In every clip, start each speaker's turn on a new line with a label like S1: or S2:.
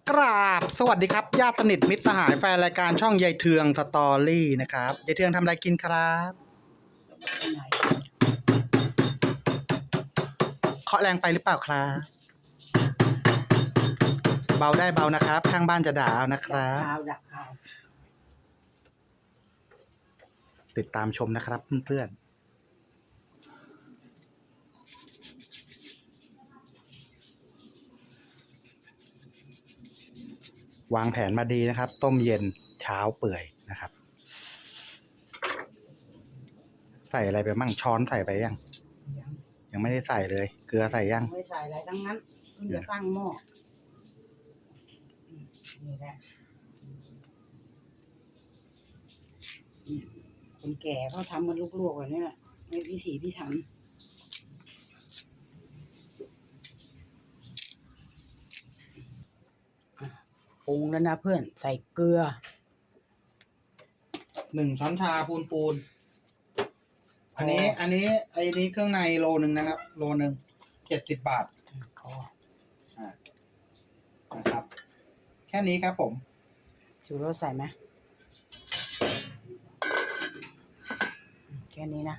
S1: กราบสวัสดีครับญาติสนิทมิตรสหายแฟนรายการช่องยายเทืองสตอรี่นะครับยายเทืองทำอะไรกินครับเคาะแรงไปหรือเปล่าครับเบาได้เบานะครับข้างบ้านจะด่าเอานะครับติดตามชมนะครับเพื่อนๆวางแผนมาดีนะครับต้มเย็นเช้าเปื่อยนะครับใส่อะไรไปมั่งช้อนใส่ไปยังไม่ได้ใส่เลยเกลือใส่ยัง
S2: ไม่ใส่อะไรทั้งนั้นเพิ่งจะตั้งหม้อนี่แหละคนแก่เขาทำมันลวกๆแบบนี้แหละในพิถีพิถันปรุงแล้วนะเพื่อนใส่เกลือ
S1: 1 ช้อนชาปูนอันนี้เครื่องในโลนึงนะครับโลนึง70 บาทนะครับแค่นี้ครับผม
S2: ชูรสใส่ไหมแค่นี้นะ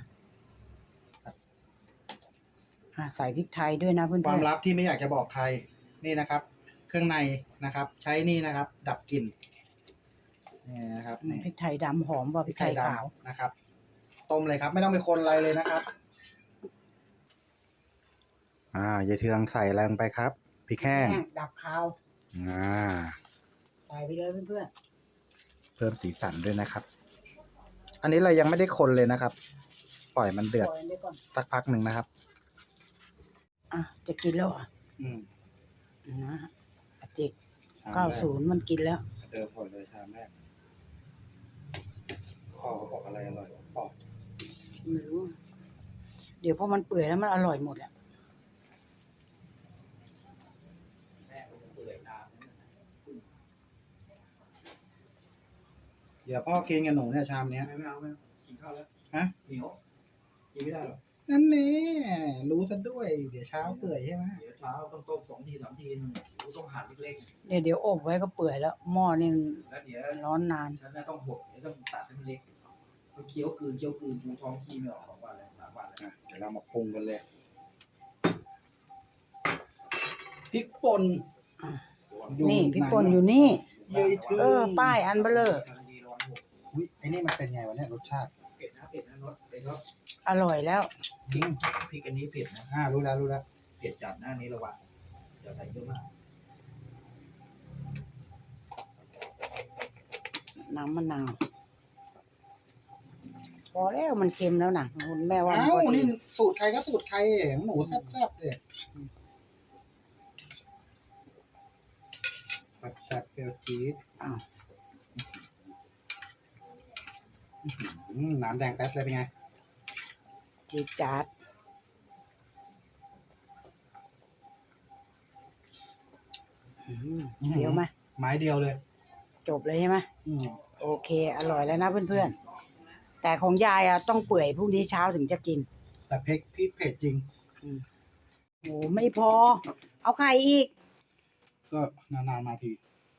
S2: ใส่พริกไทยด้วยนะเพื่อนๆ
S1: ความลับที่ไม่อยากจะบอกใครนี่นะครับ เครื่องในนะครับ ใช้นี่นะครับ ดับกลิ่นนี่นะครับ
S2: พริกไทยดำหอมกว่าพริกไทยขาว
S1: นะครับต้มเลยครับไม่ต้องไปคนอะไรเลยนะครับยายเทืองใส่อะไรลงไปครับพริกแห้ง
S2: ดับคาวใส่ไปเลยเพื่อน
S1: ๆเพิ่มสีสันด้วยนะครับอันนี้เรายังไม่ได้คนเลยนะครับปล่อยมันเดือดสักพักหนึ่งนะครับ
S2: จะกินแล้วนะจิก90มันกินแล้ว
S1: เดิมผลเลยชามแรกพ่อเขาบอกอะไรอร่อยกว่าปอด
S2: ไม่รู้เดี๋ยวพอมันเปื่อยแล้วมันอร่อยหมดแหละ
S1: เดี๋ยวพ่อกินกับหนูเนี่ยชามเนี้ย
S3: ไม่เอากินข้าวแล้วเหนียวกินไม่ได้หรอก
S1: นั่นแน่รู้ซะด้วยเดี๋ยวเช้าเปื่อยใช่ไหม
S3: เดี๋ยวเช้าต้องต้ม2 ที 3 ทีต้องหั่นเล็ก
S2: ๆเดี๋ยวอบไว้ก็เปื่อยแล้วหม้อนี่
S3: แล้วเดี๋ยว
S2: ร้อนนาน
S3: ฉันต้องบดต้องตัดให้มันเล็กเคี้ยวกลืนดูท้องขี้ไม่ออก2 วันเลย3 วันเลย
S1: เดี๋ยวเรามาปรุงกันเลยพริกป่น
S2: นี่พริกป่นอยู่นี่ป้ายอันเบลอ
S1: ไอ้นี่มันเป็นไงวะเนี่ยรสชาติ
S3: เผ็ดนะรสเผ็ดแล้ว
S2: อร่อยแล้ว
S3: พริกอันนี้เผ็ดนะ
S1: รู้แล้ว
S3: เผ็ดจัดหน้านี้ระวังอย่าใส่เยอะมาก
S2: น้ำมะนาวพอแล้วมันเค็มแล้วนะคุณแม่ว่า
S1: นี่สูตรใครก็สูตรใครหนูแซ่บๆเลยผัดแซ่บเปรี้ยวจี๊ดน้ำแดงแป๊บเลยเป็นไง
S2: จี๊ดจ๊าดเดียวไหม
S1: ไม้เดียวเลย
S2: จบเลยใช่ไหมโอเคอร่อยแล้วนะเพื่อนๆแต่ของยายต้องเปื่อยพรุ่งนี้เช้าถึงจะกิน
S1: แต่พริกเผ็ดจริง
S2: โอ้ไม่พอเอาไข่อีก
S1: ก็นานๆมาที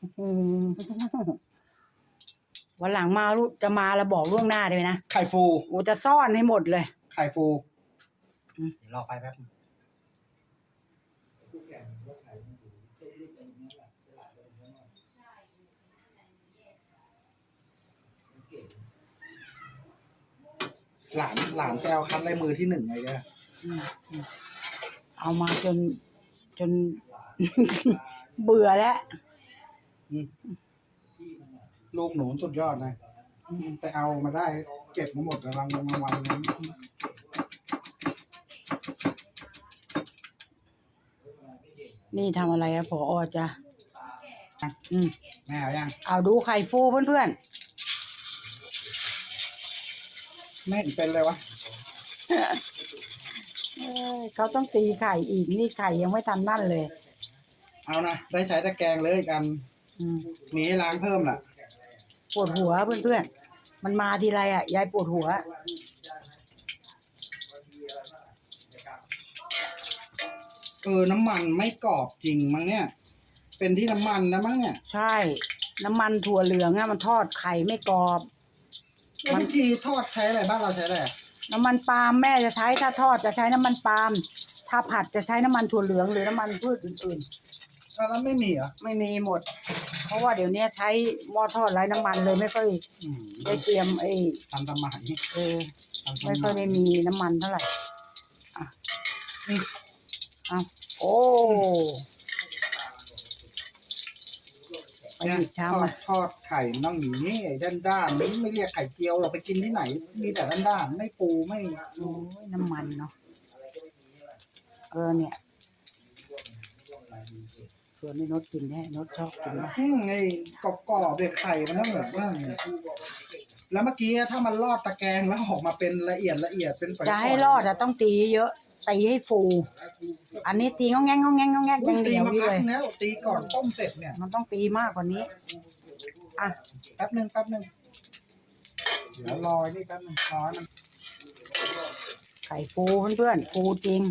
S2: วันหลังมาจะมาแล้วบอกล่วงหน้าเลยนะ
S1: ไข่ฟู
S2: โอ้จะซ่อนให้หมดเลย
S1: ไข่ฟูเดี๋ยวรอไฟแป๊บหลานแปลคัดลายมือที่1เลยเนี่ย
S2: เอามาจนเบื่อแล้ว
S1: ลูกหนูสุดยอดนะไปเอามาได้เก็บมาหมดรางวัลนั้น
S2: นี่ทำอะไรอะผอจ้ะ
S1: แม่เอายัง
S2: เอาดูไข่ฟูเพื่อน
S1: แม่เป็นเลยวะ
S2: เขาต้องตีไข่อีกนี่ไข่ยังไม่ทันนั่นเลย
S1: เอานะได้ใช้ตะแกรงเลยกันมีให้ล้างเพิ่มล่ะ
S2: ปวดหัวเพื่อนๆมันมาทีไรยายปวดหัว
S1: น้ำมันไม่กรอบจริงมั้งเนี่ยเป็นที่น้ำมันนะมั้งเนี่ย
S2: ใช่ น้ำมันถั่วเหลืองอะมันทอดไข่ไม่กรอบ
S1: แล้ววิธีทอดใช้อะไรบ้านเราใช้อะไรอะ
S2: น้ำมันปาล์มแม่จะใช้ถ้าทอดจะใช้น้ำมันปาล์มถ้าผัดจะใช้น้ำมันถั่วเหลืองหรือน้ำมันพืชอื่น
S1: แล้วไม่มีเหรอ
S2: ๆ ไม่มีหมด เพราะว่าเดี๋ยวนี้ใช้หม้อทอดไร้น้ำมันเลยไม่ค่อย
S1: อืม
S2: ได้เตรียม
S1: ทันสมัย
S2: เออ
S1: ทันส
S2: ไม่ค่อย
S1: มั
S2: ได้
S1: ย
S2: มีน้ำมันเท่าไหร่อ่ะนี่เอาโอ้ไปหยิบชาม
S1: ทอ
S2: มา
S1: ดทอดไข่น้องหมีนี่ด้านๆไม่เรียกไข่เจียวเราไปกินที่ไหน มีแต่ด้านๆไม่ปูไม่
S2: โอ้ยน้ำมันเนาะเนี่ยส่วนนี้นดกินแน่นดชอบกินนะ
S1: ไอ้กรอบๆเด็กไข่มันต้องแบบว่าแล้วเมื่อกี้ถ้ามันลอดตะแกรงแล้วออกมาเป็นละเอียดเป็นฝอยๆ
S2: จะให้รอดอะต้องตีเยอะตีให้ฟู อันนี้ตีงองแงงงองแงงงองแงง
S1: อุ๊
S2: ยั
S1: ย
S2: งเห
S1: ตี
S2: นียว
S1: มา
S2: อยู่
S1: พั
S2: เล
S1: ก
S2: ย
S1: แล้วตีก่อนต้มเสร็จเนี่ย
S2: มันต้องตีมากกว่านี้อ่ะ
S1: แป๊บนึงเดี๋ยวรอนี่แป๊บนึงรอให้มัน
S2: ไข่ฟูเพื่อนๆฟูจริง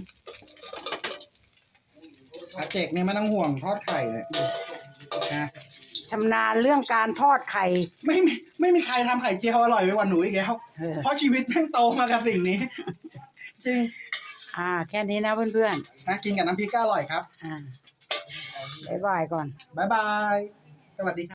S1: อาเจกเนี่ยไม่ต้องห่วงทอดไข่เนี่ยนะ
S2: ชำนาญเรื่องการทอดไข่
S1: ไม่มีใครทำไข่เจียวอร่อยไปกว่าหนูอีกแล้ว
S2: เออ
S1: เพราะชีวิตแม่งโตมากับสิ่งนี้ จริง
S2: แค่นี้นะเพื่อน
S1: นะกินกับน้ำพริกก็อร่อยครับ
S2: บ๊ายบายก่อน
S1: บ๊ายบาย สวัสดีครับ